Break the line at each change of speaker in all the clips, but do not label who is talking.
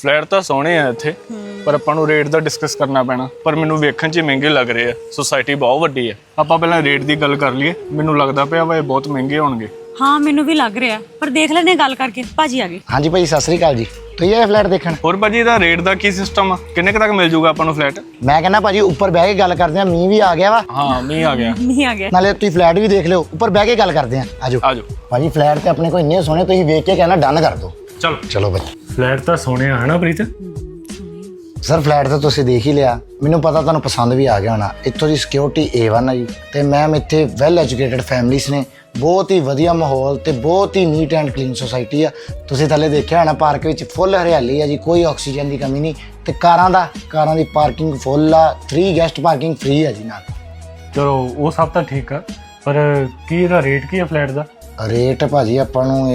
Flat ਤਾਂ ਸੋਹਣੇ ਆ ਇੱਥੇ, ਪਰ ਆਪਾਂ ਨੂੰ ਰੇਟ ਦਾ ਡਿਸਕਸ ਕਰਨਾ ਪੈਣਾ। ਪਰ ਮੈਨੂੰ ਵੇਖਣ 'ਚ ਮਹਿੰਗੇ ਲੱਗ ਰਹੇ ਆ, ਸੁਸਾਇਟੀ ਬਹੁਤ ਵੱਡੀ ਆ। ਆਪਾਂ ਪਹਿਲਾਂ ਰੇਟ ਦੀ ਗੱਲ ਕਰ ਲਈਏ। ਮੈਨੂੰ ਲੱਗਦਾ ਪਿਆ ਵਾ ਇਹ ਬਹੁਤ ਮਹਿੰਗੇ ਹੋਣਗੇ।
ਹਾਂ ਮੈਨੂੰ ਵੀ ਲੱਗ ਰਿਹਾ, ਪਰ ਦੇਖ ਲੈਣੇ ਗੱਲ ਕਰਕੇ। ਭਾਜੀ ਆ ਗਏ।
ਹਾਂਜੀ ਭਾਜੀ ਸਤਿ ਸ੍ਰੀ ਅਕਾਲ ਜੀ। ਤੁਸੀਂ ਆਏ ਫਲੈਟ ਦੇਖਣ?
ਹੋਰ ਭਾਜੀ ਇਹਦਾ ਰੇਟ ਦਾ ਕੀ ਸਿਸਟਮ ਆ? ਕਿੰਨੇ ਕੁ ਤੱਕ ਮਿਲ ਜੂਗਾ ਆਪਾਂ ਨੂੰ ਫਲੈਟ?
ਮੈਂ ਕਹਿੰਦਾ ਭਾਜੀ ਉੱਪਰ ਬਹਿ ਕੇ ਗੱਲ ਕਰਦੇ ਆ। ਮੀਂਹ ਵੀ ਆ ਗਿਆ ਵਾ,
ਹਾਂ ਮੀਂਹ ਆ ਗਿਆ।
ਨਹੀਂ ਆ ਗਿਆ।
ਨਾਲੇ ਤੁਸੀਂ ਫਲੈਟ ਵੀ ਦੇਖ ਲਿਓ। ਉੱਪਰ ਬਹਿ ਕੇ ਗੱਲ ਕਰਦੇ ਆ। ਆਜੋ
ਆਜੋ
ਭਾਜੀ, ਫਲੈਟ ਤੇ ਆਪਣੇ ਕੋਲ ਇੰਨੇ ਸੋਹਣੇ, ਤੁਸੀਂ ਵੇਖ ਕੇ ਕਹਿਣਾ ਡਨ ਕਰ ਦਿਓ।
ਚਲੋ।
ਚਲੋ ਭਾਜੀ।
ਫਲੈਟ ਤਾਂ ਸੋਹਣੇ ਆ ਹਨਾ ਪ੍ਰੀਤ?
ਸਰ ਫਲੈਟ ਤਾਂ ਤੁਸੀਂ ਦੇਖ ਹੀ ਲਿਆ, ਮੈਨੂੰ ਪਤਾ ਤੁਹਾਨੂੰ ਪਸੰਦ ਵੀ ਆ ਗਿਆ ਹੋਣਾ। ਇੱਥੋਂ ਦੀ ਸਿਕਿਉਰਿਟੀ A1 ਆ ਜੀ, ਤੇ ਮੈਮ ਇੱਥੇ ਵੈਲ ਐਜੂਕੇਟਡ ਫੈਮਲੀਜ਼ ਨੇ। ਬਹੁਤ ਹੀ ਵਧੀਆ ਮਾਹੌਲ ਤੇ ਬਹੁਤ ਹੀ ਨੀਟ ਐਂਡ ਕਲੀਨ ਸੁਸਾਇਟੀ ਆ। ਤੁਸੀਂ ਥੱਲੇ ਦੇਖਿਆ ਹੋਣਾ ਪਾਰਕ ਵਿੱਚ ਫੁੱਲ ਹਰਿਆਲੀ ਆ ਜੀ, ਕੋਈ ਆਕਸੀਜਨ ਦੀ ਕਮੀ ਨਹੀਂ। ਤੇ ਕਾਰਾਂ ਦੀ ਪਾਰਕਿੰਗ ਫੁੱਲ ਆ। 3 ਗੈਸਟ ਪਾਰਕਿੰਗ ਫ੍ਰੀ ਆ ਜੀ ਨਾਲ।
ਚਲੋ ਉਹ ਸਭ ਤਾਂ ਠੀਕ ਆ, ਪਰ ਕੀ ਇਹਦਾ ਰੇਟ ਕੀ ਆ ਫਲੈਟ ਦਾ?
ਰੇਟ ਭਾਜੀ ਆਪਾਂ ਨੂੰ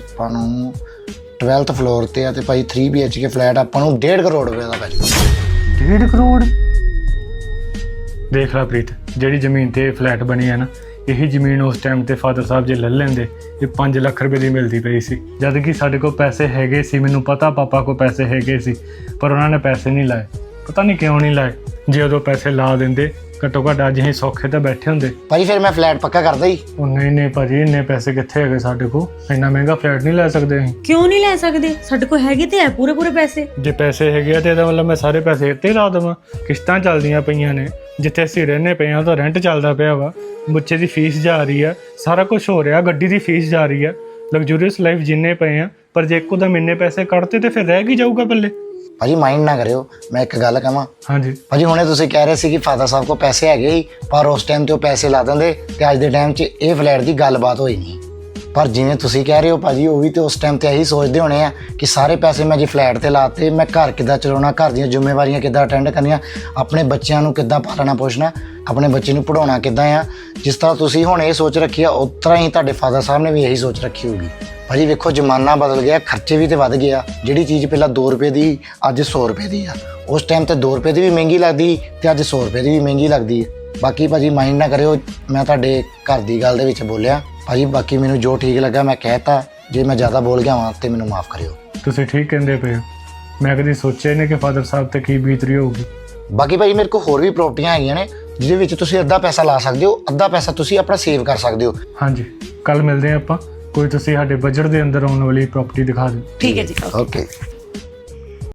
12th ਫਲੋਰ ਤੇ ਆ, ਤੇ ਭਾਈ 3 BHK ਫਲੈਟ ਆਪਾਂ ਨੂੰ 1.5 ਕਰੋੜ ਰੁਪਏ ਦਾ ਪੈ ਜਾਊਗਾ।
1.5 ਕਰੋੜ? ਦੇਖ ਲੈ ਪ੍ਰੀਤ, ਜਿਹੜੀ ਜ਼ਮੀਨ ਤੇ ਫਲੈਟ ਬਣੀ ਹੈ ਨਾ, ਇਹੀ ਜ਼ਮੀਨ ਉਸ ਟਾਈਮ ਤੇ ਫਾਦਰ ਸਾਹਿਬ ਜੇ ਲੈ ਲੈਂਦੇ ਇਹ 5 ਲੱਖ ਰੁਪਏ ਦੀ ਮਿਲਦੀ ਪਈ ਸੀ। ਜਦ ਕਿ ਸਾਡੇ ਕੋਲ ਪੈਸੇ ਹੈਗੇ ਸੀ, ਮੈਨੂੰ ਪਤਾ ਪਾਪਾ ਕੋਲ ਪੈਸੇ ਹੈਗੇ ਸੀ, ਪਰ ਉਹਨਾਂ ਨੇ ਪੈਸੇ ਨਹੀਂ ਲਾਏ। ਪਤਾ ਨਹੀਂ ਕਿਉਂ ਨਹੀਂ ਲਾਏ। ਜੇ ਉਦੋਂ ਪੈਸੇ ਲਾ ਦਿੰਦੇ ਘੱਟੋ ਘੱਟ ਅੱਜ ਅਸੀਂ ਸੌਖੇ ਤਾਂ ਬੈਠੇ ਹੁੰਦੇ।
ਭਾਜੀ ਫਿਰ ਮੈਂ ਫਲੈਟ ਪੱਕਾ ਕਰਦਾ ਹੀ।
ਉਹ ਨਹੀਂ ਭਾਜੀ, ਇੰਨੇ ਪੈਸੇ ਕਿੱਥੇ ਹੈਗੇ ਸਾਡੇ ਕੋਲ? ਇੰਨਾ ਮਹਿੰਗਾ ਫਲੈਟ ਨਹੀਂ ਲੈ ਸਕਦੇ ਅਸੀਂ।
ਕਿਉਂ ਨਹੀਂ ਲੈ ਸਕਦੇ? ਸਾਡੇ ਕੋਲ ਹੈਗੇ ਤੇ ਹੈ ਪੂਰੇ ਪੈਸੇ।
ਜੇ ਪੈਸੇ ਹੈਗੇ ਆ ਤੇ ਇਹਦਾ ਮਤਲਬ ਮੈਂ ਸਾਰੇ ਪੈਸੇ ਇੱਥੇ ਲਾ ਦੇਵਾਂ? ਕਿਸ਼ਤਾਂ ਚੱਲਦੀਆਂ ਪਈਆਂ ਨੇ, ਜਿੱਥੇ ਅਸੀਂ ਰਹਿੰਦੇ ਪਏ ਆ ਤਾਂ ਰੈਂਟ ਚੱਲਦਾ ਪਿਆ ਵਾ, ਬੱਚੇ ਦੀ ਫੀਸ ਜਾ ਰਹੀ ਆ, ਸਾਰਾ ਕੁਝ ਹੋ ਰਿਹਾ, ਗੱਡੀ ਦੀ ਫੀਸ ਜਾ ਰਹੀ ਆ, ਲਗਜ਼ਰੀਅਸ ਲਾਈਫ ਜਿੰਨੇ ਪਏ ਆ। ਪਰ ਜੇ ਇੱਕੋ ਦਮ ਇੰਨੇ ਪੈਸੇ ਕੱਢਤੇ ਤੇ ਫਿਰ ਰਹਿ ਕੀ ਜਾਊਗਾ ਪੱਲੇ?
ਭਾਜੀ ਮਾਈਂਡ ਨਾ ਕਰਿਓ, ਮੈਂ ਇੱਕ ਗੱਲ ਕਹਾਂ।
ਹਾਂਜੀ
ਭਾਜੀ ਹੁਣੇ ਤੁਸੀਂ ਕਹਿ ਰਹੇ ਸੀ ਕਿ ਫਾਦਰ ਸਾਹਿਬ ਕੋਲ ਪੈਸੇ ਹੈਗੇ ਹੀ, ਪਰ ਉਸ ਟਾਈਮ ਤੇ ਉਹ ਪੈਸੇ ਲਾ ਦਿੰਦੇ ਤੇ ਅੱਜ ਦੇ ਟਾਈਮ 'ਚ ਇਹ ਫਲੈਟ ਦੀ ਗੱਲਬਾਤ ਹੋਈ ਨਹੀਂ। ਪਰ ਜਿਵੇਂ ਤੁਸੀਂ ਕਹਿ ਰਹੇ ਹੋ ਭਾਜੀ, ਉਹ ਵੀ ਤੇ ਉਸ ਟਾਈਮ ਤੇ ਇਹੀ ਸੋਚਦੇ ਹੋਣੇ ਆ ਕਿ ਸਾਰੇ ਪੈਸੇ ਮੈਂ ਜੇ ਫਲੈਟ ਤੇ ਲਾਤੇ, ਮੈਂ ਘਰ ਕਿੱਦਾਂ ਚਲਾਉਣਾ, ਘਰ ਦੀਆਂ ਜ਼ਿੰਮੇਵਾਰੀਆਂ ਕਿੱਦਾਂ ਅਟੈਂਡ ਕਰਨੀਆਂ, ਆਪਣੇ ਬੱਚਿਆਂ ਨੂੰ ਕਿੱਦਾਂ ਪਾਲਣਾ ਪੋਸ਼ਣਾ, ਆਪਣੇ ਬੱਚੇ ਨੂੰ ਪੜਾਉਣਾ ਕਿੱਦਾਂ ਆ। ਜਿਸ ਤਰ੍ਹਾਂ ਤੁਸੀਂ ਹੁਣ ਇਹ ਸੋਚ ਰੱਖੀ ਆ, ਉਸ ਤਰ੍ਹਾਂ ਹੀ ਤੁਹਾਡੇ ਫਾਦਰ ਸਾਹਿਬ ਨੇ ਵੀ ਇਹੀ ਸੋਚ ਰੱਖੀ ਹੋਊਗੀ। ਭਾਜੀ ਵੇਖੋ ਜ਼ਮਾਨਾ ਬਦਲ ਗਿਆ, ਖਰਚੇ ਵੀ ਤੇ ਵੱਧ ਗਏ ਆ। ਜਿਹੜੀ ਚੀਜ਼ ਪਹਿਲਾਂ 2 ਰੁਪਏ ਦੀ ਅੱਜ 100 ਰੁਪਏ ਦੀ ਆ। ਉਸ ਟਾਈਮ ਤੇ 2 ਰੁਪਏ ਦੀ ਵੀ ਮਹਿੰਗੀ ਲੱਗਦੀ ਤੇ ਅੱਜ 100 ਰੁਪਏ ਦੀ ਵੀ ਮਹਿੰਗੀ ਲੱਗਦੀ ਹੈ। ਬਾਕੀ ਭਾਜੀ ਮਾਈਂਡ ਨਾ ਕਰਿਓ, ਮੈਂ ਤੁਹਾਡੇ ਘਰ ਦੀ ਗੱਲ ਦੇ ਵਿੱਚ ਬੋਲਿਆ ਭਾਜੀ। ਬਾਕੀ ਮੈਨੂੰ ਜੋ ਠੀਕ ਲੱਗਾ ਮੈਂ ਕਹਿਤਾ, ਜੇ ਮੈਂ ਜ਼ਿਆਦਾ ਬੋਲ ਗਿਆ ਹਾਂ ਤੇ ਮੈਨੂੰ ਮਾਫ ਕਰਿਓ।
ਤੁਸੀਂ ਠੀਕ ਕਹਿੰਦੇ ਪਏ ਹੋ। ਮੈਂ ਕਦੀ ਸੋਚਿਆ ਨਹੀਂ ਕਿ ਫਾਦਰ ਸਾਹਿਬ ਤੇ ਕੀ ਬੀਤ ਰਹੀ ਹੋਊਗੀ।
ਬਾਕੀ ਭਾਜੀ ਮੇਰੇ ਕੋਲ ਹੋਰ ਵੀ ਪ੍ਰਾਪਰਟੀਆਂ ਹੈਗੀਆਂ ਨੇ, ਜਿਹਦੇ ਵਿੱਚ ਤੁਸੀਂ ਅੱਧਾ ਪੈਸਾ ਲਾ ਸਕਦੇ ਹੋ, ਅੱਧਾ ਪੈਸਾ ਤੁਸੀਂ ਆਪਣਾ ਸੇਵ ਕਰ ਸਕਦੇ ਹੋ।
ਹਾਂਜੀ ਕੱਲ ਮਿਲਦੇ ਹਾਂ ਆਪਾਂ। ਕੋਈ ਤੁਸੀਂ ਸਾਡੇ ਬਜਟ ਦੇ ਅੰਦਰ ਆਉਣ ਵਾਲੀ ਪ੍ਰਾਪਰਟੀ ਦਿਖਾ ਦਿਓ।
ਠੀਕ ਹੈ ਜੀ।
ਓਕੇ।